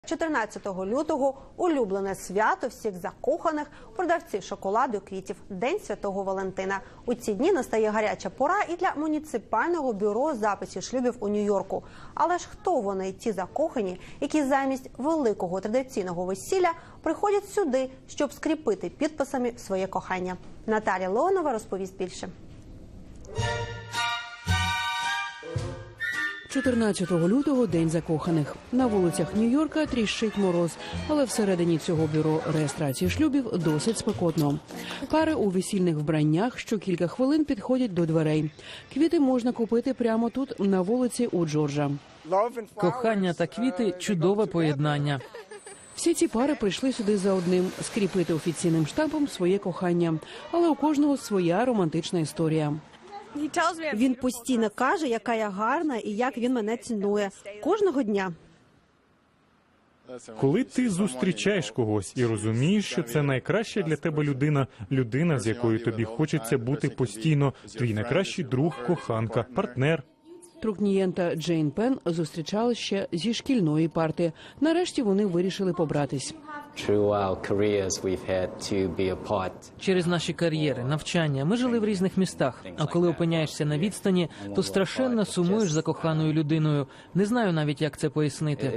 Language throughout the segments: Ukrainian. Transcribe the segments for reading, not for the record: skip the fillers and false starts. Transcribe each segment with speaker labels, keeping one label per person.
Speaker 1: 14 лютого – улюблене свято всіх закоханих продавців шоколаду і квітів – День Святого Валентина. У ці дні настає гаряча пора і для муніципального бюро записів шлюбів у Нью-Йорку. Але ж хто вони, ті закохані, які замість великого традиційного весілля приходять сюди, щоб скріпити підписами своє кохання? Наталія Леонова розповість більше.
Speaker 2: 14 лютого – День закоханих. На вулицях Нью-Йорка тріщить мороз, але всередині цього бюро реєстрації шлюбів досить спекотно. Пари у весільних вбраннях що кілька хвилин підходять до дверей. Квіти можна купити прямо тут, на вулиці у Джорджа.
Speaker 3: Кохання та квіти – чудове поєднання.
Speaker 2: Всі ці пари прийшли сюди за одним – скріпити офіційним штампом своє кохання. Але у кожного своя романтична історія.
Speaker 1: Він постійно каже, яка я гарна і як він мене цінує. Кожного дня.
Speaker 4: Коли ти зустрічаєш когось і розумієш, що це найкраща для тебе людина, з якою тобі хочеться бути постійно, твій найкращий друг, коханка, партнер.
Speaker 2: Трукнієнта Джейн Пен зустрічали ще зі шкільної парти. Нарешті вони вирішили побратись.
Speaker 3: Через наші кар'єри, навчання ми жили в різних містах. А коли опиняєшся на відстані, то страшенно сумуєш за коханою людиною. Не знаю навіть, як це пояснити.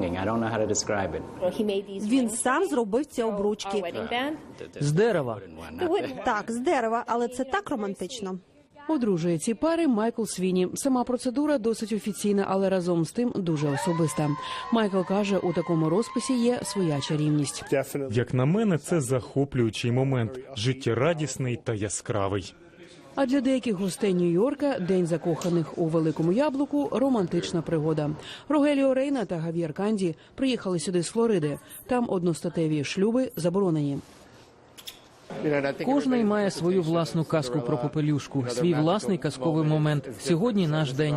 Speaker 1: Він сам зробив ці обручки.
Speaker 3: З дерева.
Speaker 1: Так, з дерева, але це так романтично.
Speaker 2: Одружує ці пари Майкл Свіні. Сама процедура досить офіційна, але разом з тим дуже особиста. Майкл каже, у такому розписі є своя чарівність.
Speaker 4: Як на мене, це захоплюючий момент, життєрадісний та яскравий.
Speaker 2: А для деяких гостей Нью-Йорка День закоханих у Великому Яблуку – романтична пригода. Рогеліо Рейна та Гав'єр Канді приїхали сюди з Флориди. Там одностатеві шлюби заборонені.
Speaker 3: Кожний має свою власну казку про попелюшку, свій власний казковий момент. Сьогодні наш день.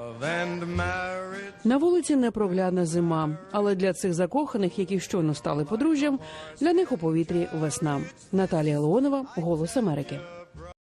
Speaker 2: На вулиці непроглядна зима, але для цих закоханих, які щойно стали подружжям, для них у повітрі весна. Наталія Леонова, «Голос Америки».